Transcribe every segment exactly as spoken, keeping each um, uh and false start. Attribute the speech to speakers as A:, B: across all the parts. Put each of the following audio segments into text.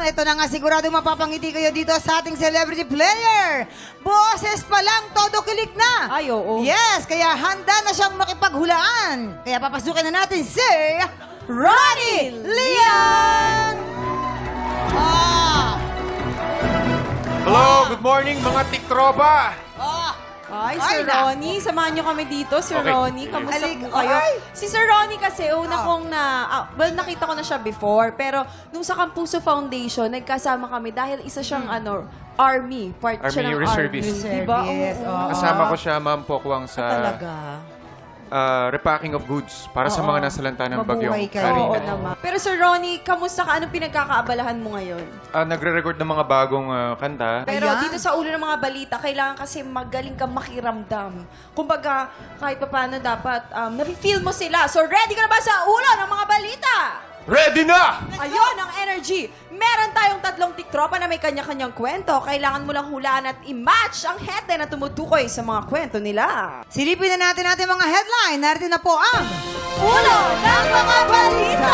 A: ito na nga sigurado mapapangiti kayo dito sa ating celebrity player. Boses pa lang, todo kilig na.
B: Ay, oo.
A: Yes, kaya handa na siyang makipaghulaan. Kaya papasukin na natin si Ronnie Leon! Ah!
C: Hello, good morning mga tiktropa!
A: Ah!
B: Ay,
A: Ay,
B: Sir
A: nako.
B: Ronnie, samahan niyo kami dito, Sir
C: Okay.
B: Ronnie. Kamusta
A: Alik-
B: po kayo?
A: Ay!
B: Si Sir Ronnie kasi, una
A: Ah.
B: kong na... ah, well, nakita ko na siya before. Pero nung sa Campuso Foundation, nagkasama kami dahil isa siyang, ano, Army. Part siya
C: Army
B: ng
C: Reservist.
B: Army. Diba?
A: Reservist,
B: Oo,
A: oo.
B: oo.
C: Kasama ko siya, Ma'am Pokwang, sa
B: Talaga.
C: ah, repacking of goods para sa
B: Oo.
C: mga nasalanta ng bagyong
A: Mabuhay kayo.
B: Oo
C: Karina.
B: naman. Pero Sir Ronnie, kamusta ka? Anong pinagkakaabalahan mo ngayon?
C: Ah, nagre-record ng mga bagong ah, kanta.
B: Pero
A: Ayan.
B: dito sa ulo ng mga balita, kailangan kasi magaling kang makiramdam. Kumbaga, kahit pa paano dapat, um, nafe-feel mo sila. So, ready ka na ba sa ulo ng mga balita?
C: Ready na!
B: Ayun, ang energy. Meron tayong tatlong tiktropa na may kanya-kanyang kwento. Kailangan mo lang hulaan at i-match ang headline na tumutukoy sa mga kwento nila.
A: Silipin na natin natin mga headline. Narito na po ang
B: Ulo ng mga balita!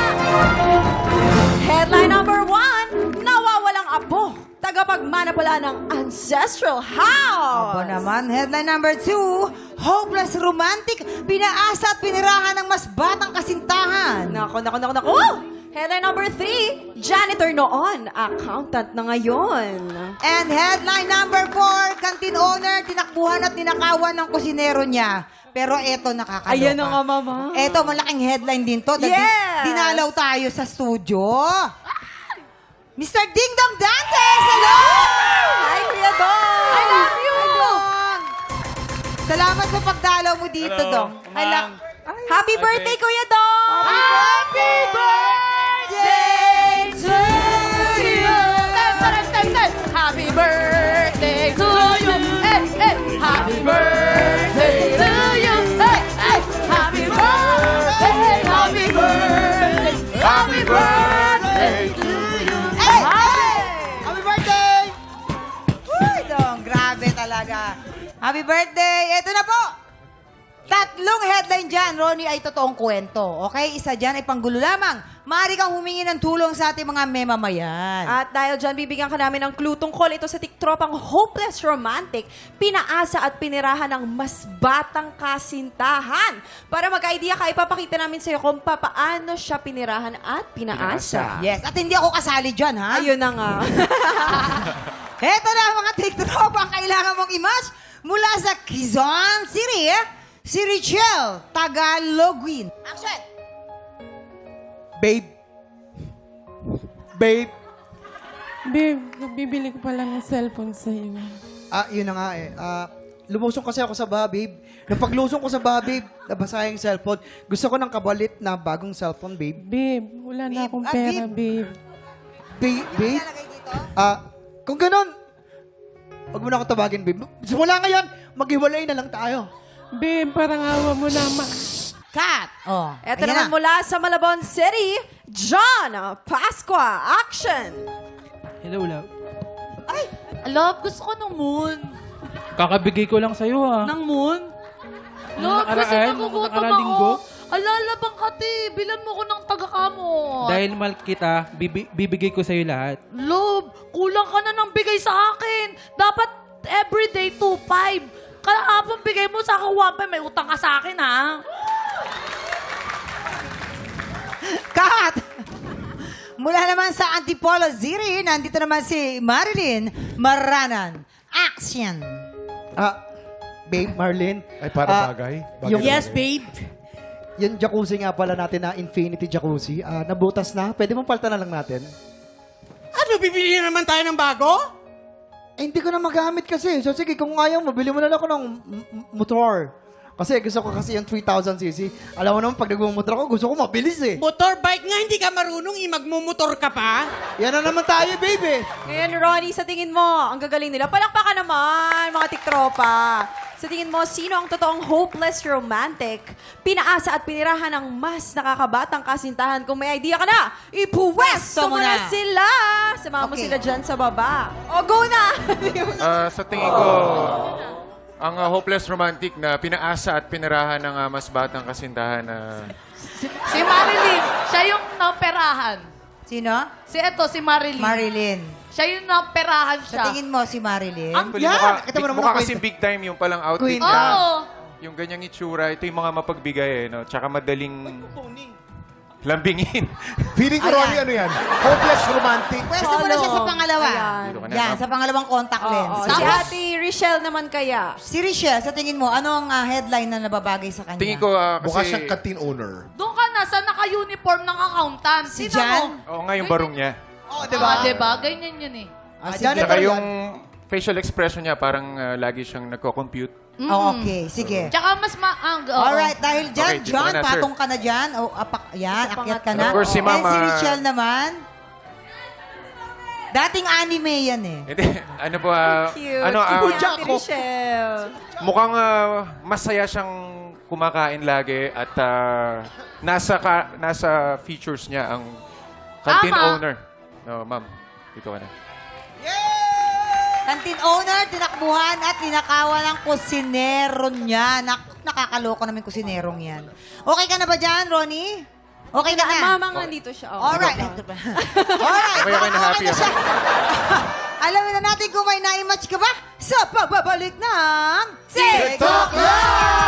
B: Headline number one, nawawalang apo. Tagapagmana pala ng ancestral house.
A: Aba naman, headline number two, hopeless romantic, pinaasa at pinirahan ng mas batang kasintahan.
B: Nako, nako, nako, nako! Headline number three, janitor noon, accountant na ngayon.
A: And headline number four, canteen owner, tinakbuhan at ninakawan ng kusinero niya. Pero eto, nakakaloka.
B: Ayan na nga, mama.
A: Eto, malaking headline din to. dahil
B: Yes!
A: Dinalaw tayo sa studio. Mister Ding Dong Dantes, hello!
B: Hi, Kuya Dong!
A: I love you! Hi, Dong! Salamat sa pagdalaw mo dito,
C: Hello,
A: Dong. I
C: Ma'am.
A: love...
B: Happy birthday, Kuya Dong!
A: Happy birthday to you!
B: Happy birthday to you! Hey, hey! Happy birthday to you! Hey, hey! Happy birthday! Happy birthday!
C: Happy birthday to you!
A: Hey! Hey! Happy birthday! Uy, Dong, grabe talaga. Happy birthday! Ito na po! Tatlong headline dyan, Ronnie, ay totoong kwento. Okay? Isa dyan ay panggulo lamang. Maaari kang humingi ng tulong sa ating mga memamayan.
B: At dahil dyan, bibigyan ka namin ng clue tungkol ito sa tiktropang Hopeless Romantic, pinaasa at pinirahan ng mas batang kasintahan. Para mag-idea ka, ipapakita namin sa'yo kung paano siya pinirahan at pinaasa.
A: Yes, at hindi ako kasali dyan, ha?
B: Ayun na nga.
A: Heto na mga tiktropa ang kailangan mong i-match mula sa Quezon City. Si Richelle Tagalogwin. Action!
D: Babe. Babe.
E: Babe, bibili ko pala ng cellphone sa'yo.
D: Ah, yun na nga eh. Ah, lumusong kasi ako sa baha, babe. Nung paglusong ko sa baha, babe, nabasa yung cellphone. Gusto ko ng kabalit na bagong cellphone, babe.
E: Babe, wala na
A: Babe,
E: akong
A: ah,
E: pera,
A: babe.
E: babe.
D: Babe, babe.
A: Ilalagay dito.
D: Ah, kung ganun, wag mo na ako tawagin, babe. Simula ngayon, maghiwalay na lang tayo.
E: Babe, parang awa mo naman.
A: Cut! Oh,
B: Ito
A: ayan
B: naman
A: na.
B: mula sa Malabon City, John Pasqua. Action!
D: Hello, love.
F: Love, gusto ko ng moon.
G: Kakabigay ko lang sa'yo ah.
F: Ng moon?
G: Nung
F: Love, kasi
G: nakaraan, nung
F: nagugutom
G: nakaraan linggo.
F: ako. Alalabang kati, bilan mo ko ng tagakamot.
G: Dahil mahal kita, bibi- bibigay ko sa'yo lahat.
F: Love, kulang ka na ng bigay sa akin. Dapat everyday two five. Kahapon bigay mo sa akin one five, may utang ka sa akin, ha?
A: Cut! Mula naman sa Antipolo City, nandito naman si Marilyn Maranan. Action!
D: Ah, babe, Marlene.
C: Ay, para
D: Ah,
C: bagay.
D: yung-
F: Yes, babe.
D: Yung jacuzzi nga pala natin na Infinity Jacuzzi, ah, nabutas na. Pwede mong palta na lang natin?
H: Ano, bibili naman tayo ng bago?
D: Eh, hindi ko na magamit kasi. So, sige, kung ayaw mo, bili mo na lang ako ng m- m- motor. Kasi gusto ko kasi yung three thousand cc. Alam mo naman, pag nagmumotor ako, gusto ko mabilis eh.
H: Motorbike nga, hindi ka marunong, eh, magmumotor ka pa?
D: Yan na naman tayo, baby.
B: Ngayon, Ronnie, sa tingin mo, ang gagaling nila. Palakpakan naman, mga tiktropa. Sa tingin mo, sino ang totoong hopeless romantic? Pinaasa at pinirahan ng mas nakakabatang kasintahan. Kung may idea ka na, ipuwesto mo
A: mo
B: na
A: na.
B: sila. Samahan mo
A: Okay.
B: sila dyan sa baba. O, go na!
C: Ah, sa tingin ko, ang ah, hopeless romantic na pinaasa at pinirahan ng ah, mas batang kasintahan na...
F: Si Marilyn, siya yung naperahan.
A: Sino?
F: Si eto, si Marilyn.
A: Marilyn.
F: Siya yung naperahan
A: Sa
F: siya.
A: tingin mo, si Marilyn?
C: Actually,
D: Yan!
C: mukha,
D: Kita mo naman
C: mukha
D: ang
C: kasi
D: kwento.
C: big time yung palang outfit
D: Queen.
C: niya.
F: Oo.
C: Yung ganyang itsura, ito yung mga mapagbigay eh, no? Tsaka madaling lambingin.
I: Feeling ko,
A: Ayan.
I: Ronnie, ano yan? Hopeless romantic.
A: Pwesto mo na siya sa
B: Solo.
A: pangalawa.
B: Ayan.
C: Dito ka na,
A: Yan,
C: ma'am.
A: sa pangalawang contact lens.
B: Oo, si Ate Richelle naman kaya.
A: Si Richelle, sa tingin mo, ano ang ah, headline na nababagay sa kanya?
C: Tingin ko ah,
I: Mukha
C: kasi...
I: siyang canteen owner.
F: Doon ka na sa naka-uniform ng accountant.
A: Si
F: Tingnan
A: Jan?
F: mo.
C: Oo nga, yung barong niya.
D: Oh,
F: Diba? Ah, diba? Ganyan yun eh.
A: Ah,
D: Ah,
A: sige.
D: dyan
C: Tsaka
D: ito
C: yung facial expression niya, parang ah, lagi siyang nagko-compute.
A: Oh, okay, sige.
F: Tsaka mas maang... oo.
A: Alright, dahil dyan,
C: Okay, dito
A: John,
C: ka na, sir.
A: patong ka na dyan. O, apak, yan,
B: Sa
A: akyat ka
B: pangatlo.
A: na.
C: Of course, si
A: And
C: Mama-
A: si Richelle naman, dating anime yan eh.
C: Hindi, ano po, ah,
B: Cute.
C: ano, ah,
B: Si Ate Richelle.
C: mukhang ah, masaya siyang kumakain lagi at ah, nasa ka, nasa features niya ang canteen
F: Tama.
C: owner. No, ma'am, dito ka na.
A: Canteen owner, tinakbuhan at tinakawan ng kusinero niya. Nak nakakaloko naman yung kusinerong yan. Okay ka na ba dyan, Ronnie? Okay ka na?
B: Mamang nandito siya. Oh.
A: Alright. Alright.
C: Okay, okay na, happy
A: na
C: ako.
A: siya. Alamin na natin kung may na-match ka ba sa pagbabalik ng TikTok Live!